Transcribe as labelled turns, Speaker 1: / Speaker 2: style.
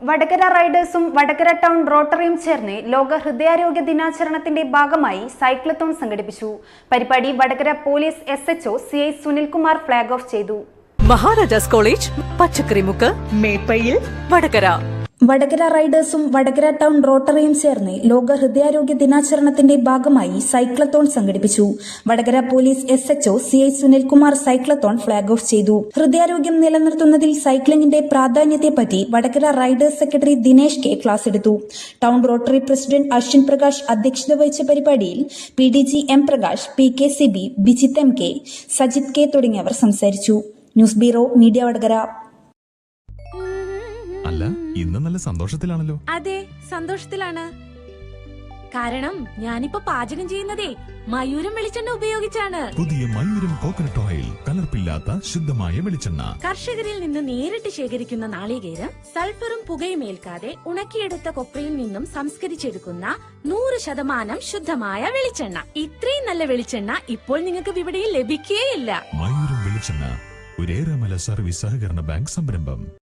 Speaker 1: വടകര റൈഡേഴ്സും വടകര ടൗൺ റോട്ടറിയും ചേർന്ന് ലോക ഹൃദയാരോഗ്യ ദിനാചരണത്തിന്റെ ഭാഗമായി സൈക്ലത്തോൺ സംഘടിപ്പിച്ചു. പരിപാടി Vadakara police SHO CI Sunilkumar flag off ചെയ്തു.
Speaker 2: മഹാരാജാസ് കോളേജ്, പച്ചക്കറിമുക്ക്, മേപ്പയിൽ, വടകര.
Speaker 3: വടകര റൈഡേഴ്സും വടകര ടൗൺ റോട്ടറിയും ചേർന്ന് ലോക ഹൃദയാരോഗ്യ ദിനാചരണത്തിന്റെ ഭാഗമായി സൈക്ലത്തോൺ സംഘടിപ്പിച്ചു. Vadakara police SHO CI Sunilkumar cyclathon flag off ചെയ്തു. ഹൃദയാരോഗ്യം നിലനിർത്തുന്നതിൽ സൈക്ലിംഗിന്റെ പ്രാധാന്യത്തെപ്പറ്റി Vadakara riders secretary Dinesh K class എടുത്തു. Town rotary president Ashwin Prakash അധ്യക്ഷത വഹിച്ച പരിപാടിയിൽ PDG M Prakash, PKCB Bijith MK, Sajith K തുടങ്ങിയവർ സംസാരിച്ചു. News bureau media Vadakara.
Speaker 4: അല്ല, ഇന്ന് നല്ല സന്തോഷത്തിലാണല്ലോ.
Speaker 5: അതെ, സന്തോഷത്തിലാണ്. കാരണം ഞാനിപ്പോ പാചകം ചെയ്യുന്നതേ മയൂരം വെളിച്ചെണ്ണ ഉപയോഗിച്ചാണ്.
Speaker 4: പുതിയ മയൂരം കോക്കനട്ട് ഓയിൽ, കലർപ്പില്ലാത്ത ശുദ്ധമായ വെളിച്ചെണ്ണ.
Speaker 5: കർഷകരിൽ നിന്ന് നേരിട്ട് ശേഖരിക്കുന്ന നാളികേരം സൾഫറും പുകയും ഏൽക്കാതെ ഉണക്കിയെടുത്ത കൊപ്രയിൽ നിന്നും സംസ്കരിച്ചെടുക്കുന്ന 100% ശുദ്ധമായ വെളിച്ചെണ്ണ. ഇത്രയും നല്ല വെളിച്ചെണ്ണ ഇപ്പോൾ നിങ്ങൾക്ക് വിപണിയിൽ ലഭിക്കുകയില്ല.
Speaker 4: മയൂരം വെളിച്ചെണ്ണ, ഒരു ഏറെമല സർവീസ് സഹകരണ ബാങ്ക് സംരംഭം.